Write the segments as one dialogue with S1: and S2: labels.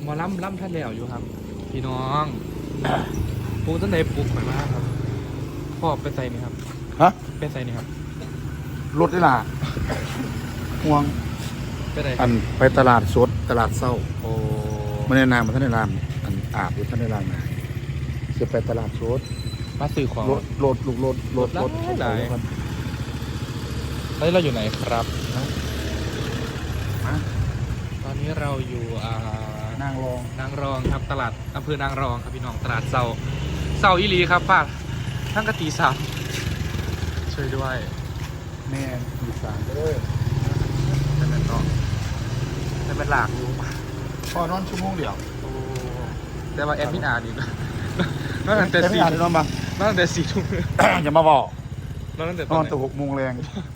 S1: หมอล่ำท่านแล้วอยู่ครับพี่น้องปลูกต้นไหนปลูกไปมากครับพ่อไปใส่นี่ครับ
S2: ฮะ
S1: ไปใส่นี่ครับ
S2: รถได้ล่ะห่วง
S1: ไปไหน
S2: อันไปตลาดสดตลาดเศร้า
S1: โอ้
S2: ไม่ได้นามมาท่านในรามอันอาบอยู่ท่านในรามนะจะไปตลาดสด
S1: มาซื้อของ
S2: รถ
S1: รถหลาย ตอนนี้เราอยู่ไหนครับ
S2: ฮะ
S1: ตอนนี้เราอยู่
S2: นางรอง
S1: นางรองครับตลาดอำเภอนางรองครับพี่น้องตลาดเสาอีหลีครับป้าทั้งกะตีสามช่วยด้วย
S2: แม่อยู่สามเด้อ
S1: แต่เป็นเนาะแต่เป็นหลากอยู่
S2: พอนอนชั่วโมงเดียว
S1: โอ้แต่ว่าแอดมินอ่านอีกนอนตั้งแต่
S2: ไม่
S1: สี่
S2: อ่านเลยนอนมาน
S1: อนตั้งแต่4 ทุ่ม
S2: อย่ามาบอก
S1: นอนตั้งแต่
S2: น
S1: ต
S2: อ
S1: อน นไห
S2: แต่6 โมงแรง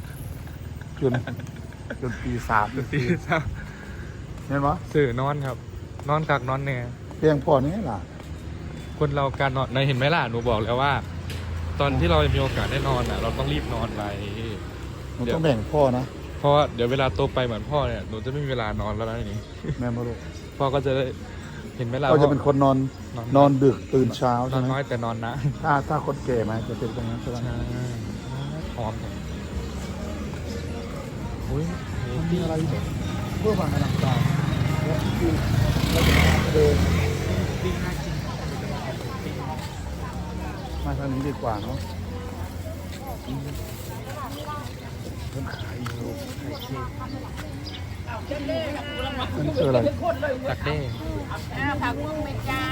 S2: จนตีสาม
S1: ตีสาม
S2: เห็นปะ
S1: สื่อนอนครับ นอนกักนอนแน่
S2: เพียงพอนี่ล่ะ
S1: คนเราการนอนในเห็นไหมล่ะหนูบอกแล้วว่า ตอนที่เรามีโอกาสได้นอนอ่ะ เราต้องรีบนอนไป
S2: มันต้องแบ่งพ่อนะ
S1: เพราะว่าเดี๋ยวเวลาโตไปเหมือนพ่อเนี่ยหนูจะไม่มีเวลานอนแล้วนะทีนี้
S2: แม่มาลูก
S1: พ่อก็จะได้เห็นไหมล่ะ
S2: ก็จะเป็นคนนอนดึกตื่นเช้าน
S1: อ
S2: ใช่
S1: น
S2: ไหม
S1: น้อยแต่นอนนะ
S2: ถ้าคนแก่มาจะเป็นตรงนั้นใช่ไหม
S1: หอมจังอุ้ย
S2: มันมีอะไรแบบเพื่อความอลังการแล้วคือเราจะเดิน
S1: ปิ้งน่ากิน
S2: มาทางนี้ดีกว่าเนาะเพิ่มขายอยู่มันคืออะไร
S1: ตักเด้
S3: ผักบุ้งเมจา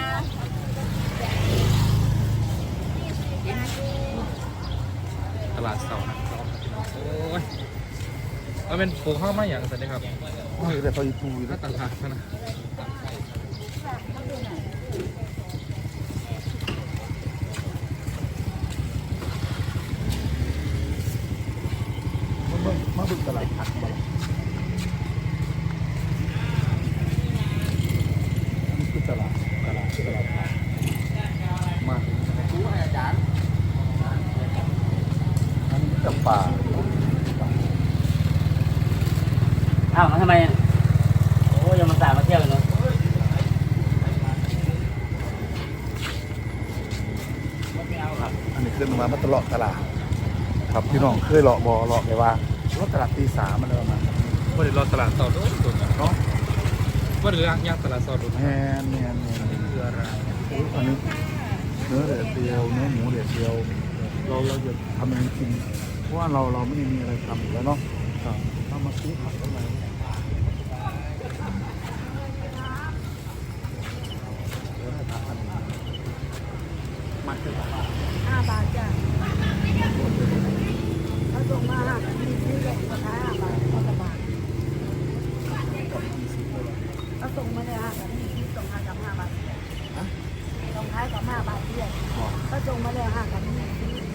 S1: ตลาดเสาร์นะครับโอ้ยเอาเป็นปลูกข้าวมาอย่างสันนิครับ
S2: นี่แต่พออีปูอยู่
S1: ถ้า
S2: นะ
S1: ตลาดนะ
S2: มาบึกตลาดผักมาอันนี้คือตลาดผักมาอันนี้กับป่า
S4: อ้าวมาทำไมอ่ะโอ้ยังมาสายมาเที่ยวเลยเนาะ
S2: อันนี้ขึ้นมาตลอดตลาดครับพี่น้องเคยเลาะเลาะไปว่ารถตลาดตีสามมันเลยประมาณ
S1: ว่าเดี๋ยวรอตลาดเสาร์ด้วยตัวเนาะ
S2: เนาะ
S1: ว่าเดี๋ยวย่างตลาดเสาร์ด้วย
S2: แม่น
S1: คืออะไร
S2: อันนี้เนื้อเดือดเดียวเนื้อหมูเดือดเดียวเราจะทำเองกินเพราะว่าเราไม่ได้มีอะไรทำอยู่แล้วเนาะเรามาซื้อผักเข้ามามาซื้อผัก
S3: 5 บาทจ้ะเขาส่งมา5 มีซื้อแหล่งราคา5 บาทเขาจะบาทเขาส่งมาเลยมีซื้อส่งมากับ5 บาทส่งท้ายกับ5 บาทเดียวเขาส่งมาเลยกับมีซื้อ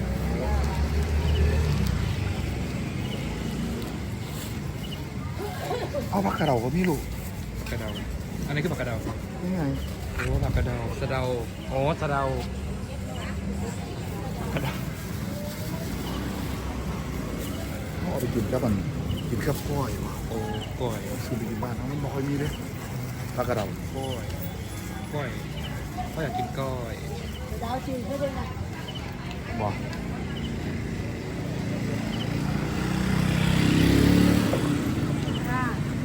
S2: เอาผักกระเดาก็มีลูก
S1: ผักกระเดาอันนี้คือผักกระเดา
S2: นี่ไง
S1: โอ้ผักกระเดาสะเดาโอ้สะเดาผักกระเดา
S2: เขาเอาไปกินกับมันกินกับกล้อยว่ะ
S1: โอ้ก้อย
S2: ซื้อไปกินบ้านเขาไม่ค่อยมีเลยผักกระเดา
S1: ก้อยก้อยก็อยากกินก้อย
S3: ดาวจืดก็ได้นะ
S2: บอก
S3: ค่ะ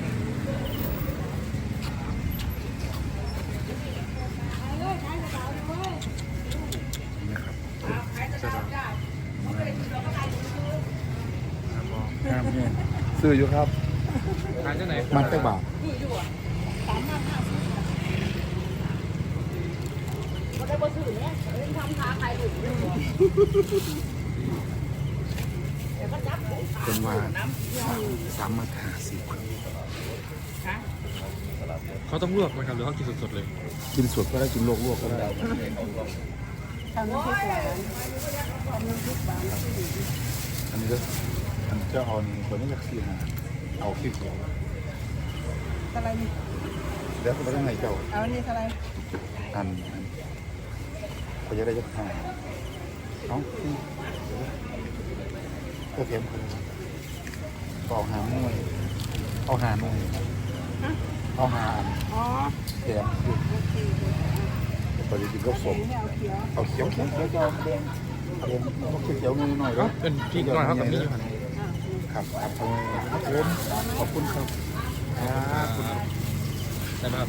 S2: นะครับ
S1: สะเดาครับผม
S2: งามเนี่ยซื้ออยู่ครับ
S1: ทานที่ไหน
S2: มันแค่บาท
S3: ก็ได้บ่ซื้อเนี่ยเล่นทำค้าขายอยู่
S2: เป็นว่า350
S1: เขาต้องลวกไหมครับหรือเขากินสดๆเลย
S2: กินสดก็ได้กินลวกก็ได้
S3: ทำน้ำพริกหวานทำน้ำพริกหวาน
S2: อันนี้ก็อันเจ้าเอานี่คนนี้อยากซื้อหาเอาคลิปเดียว
S3: อะไรนี่
S2: แล้วก็ไปได้ไงเจ้า
S3: เอานี่อะไร
S2: อันเขาจะได้จะหาเอ้าก็เทียมกันเอาหาหน่วยเอาหาหน่วยเอเอาหาอัน
S3: อ๋อ
S2: แถมคือ
S3: โอเค
S2: ปฏิทินก็สม
S3: เอาเขียว
S2: เอาเขียวเขียวเขียวเขียวเขียวเขียวหน่อยๆ
S1: ก็
S2: เนาะ
S1: เป็นพริกหน่อยเขากับนี่อยู่หัน
S2: ครับครับขอบคุณครับ
S1: แต่แบบ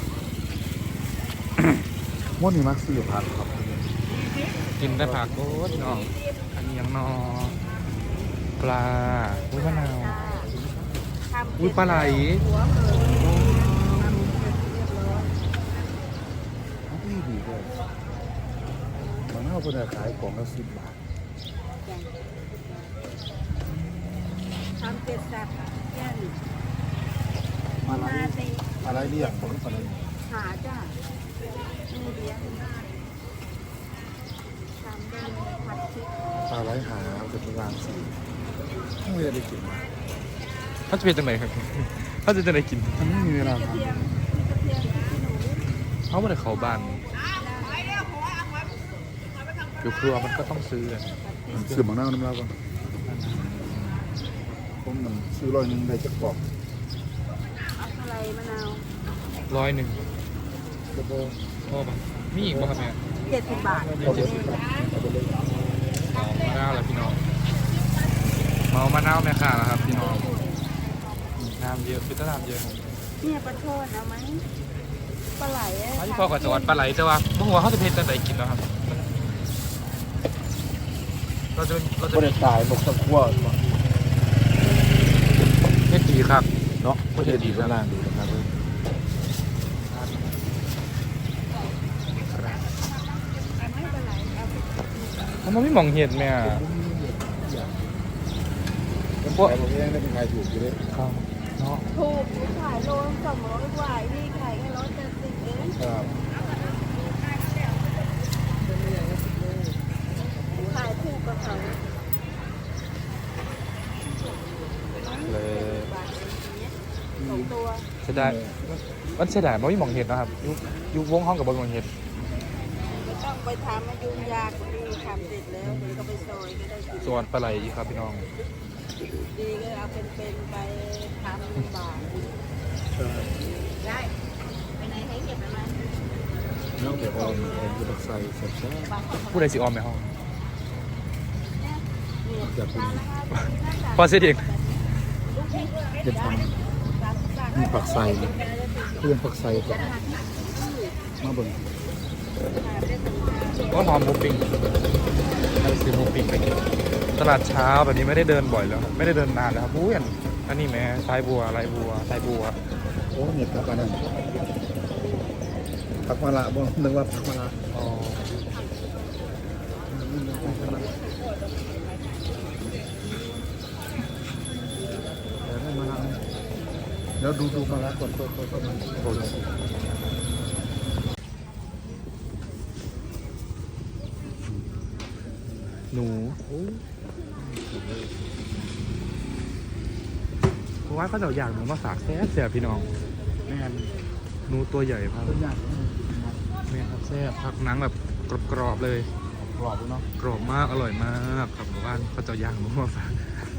S2: ม้วนนี่มักซื้อผักครับ
S1: กินได้ผักโอ้ยน้องอันนี้ยังนอปลาอุ้ยมะนาวอุ้ยปลาไหล
S3: หัวมือทำเรียบร้อย
S2: ดีเลยมันเอาไปขายของละ10 บาท
S3: ทำเจ็ดสับแย่น
S2: อะไรเรียกผมอะไร
S3: หาจ้ามือเดียวทำได้ผัดชิค
S2: ปลาไหลหาเป็นร้านสิไม่ได้กิน
S1: เขาจะเป็นจังไหนครับ เขาจะจังไหนกิน
S2: มันไม่มีเวลา
S3: เทีย
S2: ทำ
S3: มกระเทียมที่หนู
S1: เขาไม่ได้เขาบ้านอยู่ครัวมันก็ต้องซื้ออะ
S2: ซื้อหมังหน้าน้ำลายก่อนผมมันซื้อ100ได้จักกล่อง
S3: อะไรมะนาว
S1: 100
S2: แล้วก็
S1: พ่อปะมีอีกป่ะครับแม่
S3: 70 บาท
S2: เอาไปซื้อครับเอาไปเลย
S1: เอามะนาวแล้วพี่น้องเมามะนาวแม่ค่ะแล้วครับพี่น้องน้ำเยอะคือถ้าน้ำเยอะ
S3: เนี่ยปลาโทษเอาไหมปลาไหล
S1: อันนี้พ่อกับจังหวัดปลาไหลแต่ว่าเมื่อวานเขาจะเพชรจังไหนกินแล้วครับเราจะ
S2: ก็ได้ตายบอกตะกั่ว
S1: เพชรดีครับ
S2: เนาะก็ได้ดีข้างล่างดีนะครับ
S3: ไม่ปลาไหลเอา
S1: มันไม่มองเห็นแม่
S2: ผมขายผมเองได้เป็นขายถูกอยู่เลย
S1: ครับเนาะ
S3: ถูกขายโล200กว่านี่ขายแค่170เอง
S2: ครับ
S3: ขายถูกกว่าเขา
S1: เลย
S3: บาทอย่างเงี้ย2 ตัว
S1: เสียดายมันเสียดายมันไม่มองเห็นนะครับยุวงห้องกับบนมองเห็น
S3: ไม่ต้องไปทำมายุ่งยากกว่านี้ทำเสร็จแล้วเดี๋ยวก็ไปซอยก็ได้กิน
S1: ส่วนปลาไหลครับพี่น้อง
S3: ดีก็เอาเป็นๆไปทำบาทได้ไปไหนให้เก็บไปไหม
S2: น้องเดี๋ยวเอาผมจะใส่เสร็จแล้ว
S1: ผู้ใดสิออมไหมห้อง
S3: เนี่ย
S2: จะเป็น
S1: พอเสียเอง
S2: จะทำมีผักใส่เพื่อนผักใส่ก่อนมาเบิ่ง
S1: ก็หอมหมูปิ้งไปซื้อหมูปิ้งไปกินตลาดเช้าแบบนี้ไม่ได้เดินบ่อยแล้วครับไม่ได้เดินนานแล้วครับอุ้ยอันนี้แม่สายบัวลายบัวสายบัว
S2: โอ้เนี่ยผักอันนั้นผักมะระบ่นึกว่าผักมะระ
S1: อ๋อ
S2: เดี๋ยวได้มะระเดี๋ยวดูมะระก่อนก็มันโอ้ย
S1: หนูเพราะว่าเขาจะอยากหนูมาฝากแซ่บแซ่บพี่น้อง
S2: แม่น
S1: หนูตัวใหญ่ครับ
S2: ตัวอย่าง
S1: แม่ครับแซ่บผักหนังแบบกรอบๆเลย
S2: กรอบเนาะ
S1: กรอบมากอร่อยมากครับหมู่บ้านเขาจะย่างหนูมาฝาก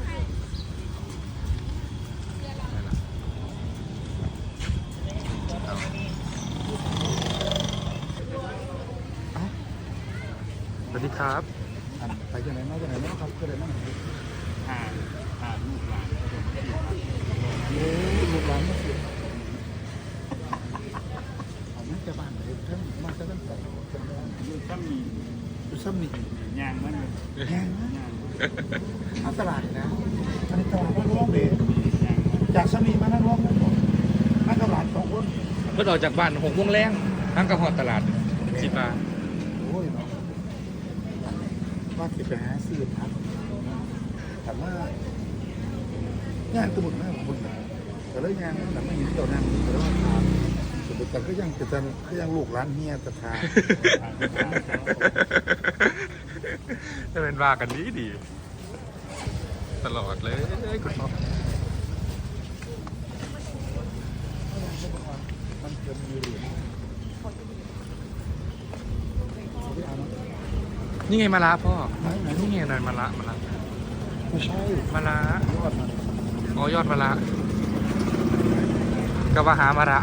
S1: ได้ละเอาสวัสดีครับ
S2: ไปที่ไหนมาที่ไหนมาครับที่ไหนมาลูกหลานมาสิเอามาจากบ้านเลยท่านมาจากบ้านใส่อยู่ซ้ำนี่ยางมันยางเอาตลาดนะอันนี้ตลาดนั่งร่องเบสจากซ้ำนี่มานั่งร่องนั่งตลาด2 คน
S1: เมื่อออกจากบ้าน6 โมงแรงทั้งกระหอดตลาดสิบาท
S2: โอ้ยเนาะว่าจะไปหาซื้อผักแต่ว่างานตะบุญมากของคนแต่แล้วงานแต่ไม่เห็นเจ้านั่งแต่ว่าถามแต่ก็ยังลูกร้านเฮียตะทา
S1: จะเป็นว่ากันดีตลอดเลยคุณพ่อ
S2: มันจะมีเหรียญ
S1: นี่ไงมาละพ่อนี่ไงนายมาละ
S2: ไม่ใช่
S1: มาละ
S2: ยอดมัน
S1: อ๋อยอดมาละก็ว่าหามาระ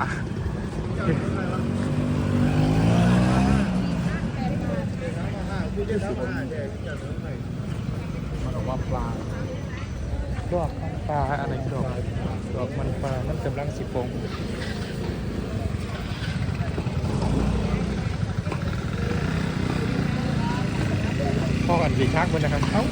S2: มันออกว่าปลา
S1: ดอกมันปลาอะไรดอกมันปลามันกำลังสิปงพ่อกันหลีกทางบนนะครับเอ้า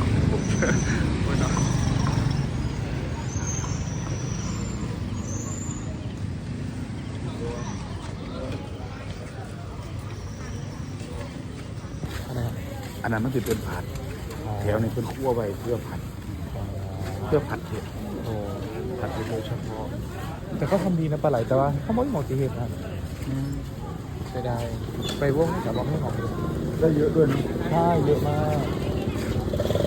S1: อะไรครับ
S2: อันนั้นมันจะเป็นผัดแถวนี้เป็นคั่วไว้เพื่อผัดเพื่อผัดเห็ด
S1: โอ้
S2: ผัดเห็ดโดยเฉพาะ
S1: แต่ก็ทำดีนะปลาไหลแต่ว่าเขาไม่เหมาะที่เห็ดนะเสียดายไปวงแต่ว่าไม่เหมาะเลย
S2: ได้เยอะด้วยนะ
S1: ใช่เยอะมาก